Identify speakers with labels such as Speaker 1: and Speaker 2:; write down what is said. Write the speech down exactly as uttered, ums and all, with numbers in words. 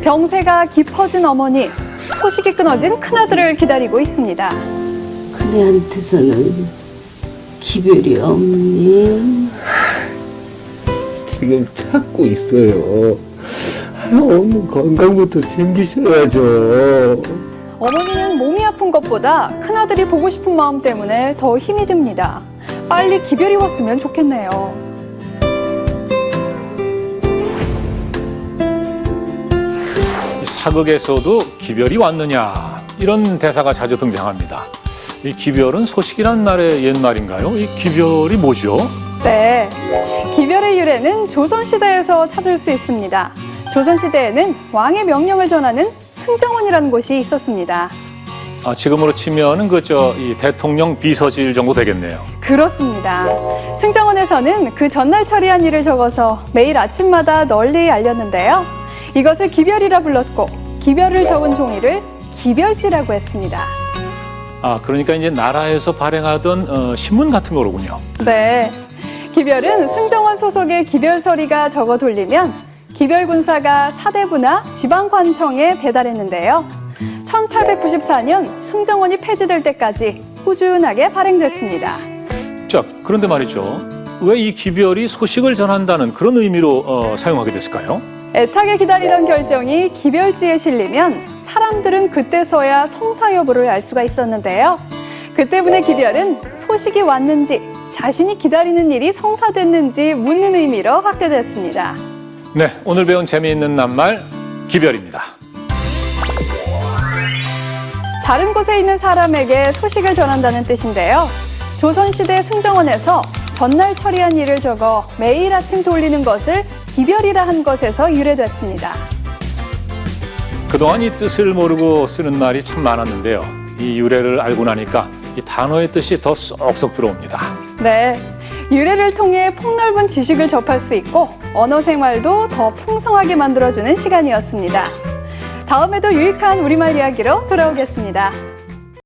Speaker 1: 병세가 깊어진 어머니, 소식이 끊어진 큰아들을 기다리고 있습니다.
Speaker 2: 큰애한테서는 기별이 없니?
Speaker 3: 지금 찾고 있어요. 어머 건강부터 챙기셔야죠.
Speaker 1: 어머니는 몸이 아픈 것보다 큰아들이 보고 싶은 마음 때문에 더 힘이 듭니다. 빨리 기별이 왔으면 좋겠네요.
Speaker 4: 사극에서도 기별이 왔느냐 이런 대사가 자주 등장합니다. 이 기별은 소식이란 말의 옛말인가요? 이 기별이 뭐죠?
Speaker 1: 네, 기별의 유래는 조선시대에서 찾을 수 있습니다. 조선시대에는 왕의 명령을 전하는 승정원이라는 곳이 있었습니다.
Speaker 4: 아, 지금으로 치면은 그저 이 대통령 비서실 정도 되겠네요.
Speaker 1: 그렇습니다. 승정원에서는 그 전날 처리한 일을 적어서 매일 아침마다 널리 알렸는데요. 이것을 기별이라 불렀고 기별을 적은 종이를 기별지라고 했습니다.
Speaker 4: 아, 그러니까 이제 나라에서 발행하던 어, 신문 같은 거로군요.
Speaker 1: 네, 기별은 승정원 소속의 기별서리가 적어 돌리면 기별군사가 사대부나 지방관청에 배달했는데요. 천팔백구십사 년 승정원이 폐지될 때까지 꾸준하게 발행됐습니다.
Speaker 4: 자, 그런데 말이죠. 왜 이 기별이 소식을 전한다는 그런 의미로 어, 사용하게 됐을까요?
Speaker 1: 애타게 기다리던 결정이 기별지에 실리면 사람들은 그때서야 성사 여부를 알 수가 있었는데요. 그 때문에 기별은 소식이 왔는지 자신이 기다리는 일이 성사됐는지 묻는 의미로 확대됐습니다.
Speaker 4: 네, 오늘 배운 재미있는 낱말 기별입니다.
Speaker 1: 다른 곳에 있는 사람에게 소식을 전한다는 뜻인데요. 조선시대 승정원에서 전날 처리한 일을 적어 매일 아침 돌리는 것을 기별이라 한 것에서 유래됐습니다.
Speaker 4: 그동안 이 뜻을 모르고 쓰는 말이 참 많았는데요. 이 유래를 알고 나니까 이 단어의 뜻이 더 쏙쏙 들어옵니다.
Speaker 1: 네, 유래를 통해 폭넓은 지식을 접할 수 있고 언어 생활도 더 풍성하게 만들어주는 시간이었습니다. 다음에도 유익한 우리말 이야기로 돌아오겠습니다.